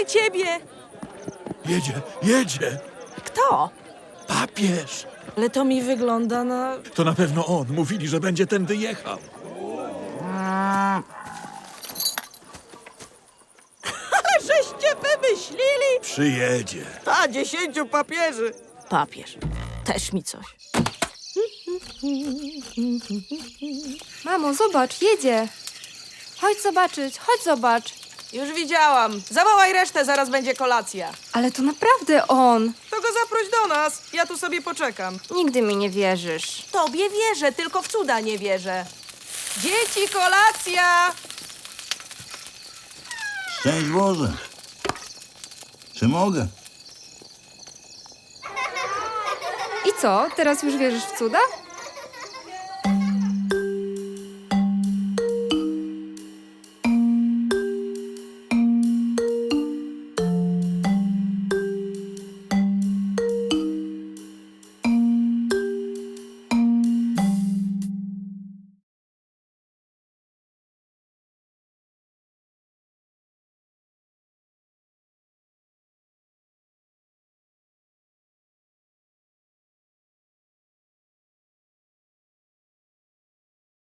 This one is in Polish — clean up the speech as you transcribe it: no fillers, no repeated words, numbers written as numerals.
Mamy ciebie! Jedzie. Kto? Papież. Ale to mi wygląda na... To na pewno on. Mówili, że będzie tędy jechał. Żeście wymyślili! Przyjedzie. A 10 papieży! Papież. Też mi coś. Mamo, zobacz, jedzie. Chodź zobaczyć, chodź zobacz. Już widziałam. Zawołaj resztę, zaraz będzie kolacja. Ale to naprawdę on. To go zaproś do nas. Ja tu sobie poczekam. Nigdy mi nie wierzysz. Tobie wierzę, tylko w cuda nie wierzę. Dzieci, kolacja! Szczęść Boże. Czy mogę? I co, teraz już wierzysz w cuda?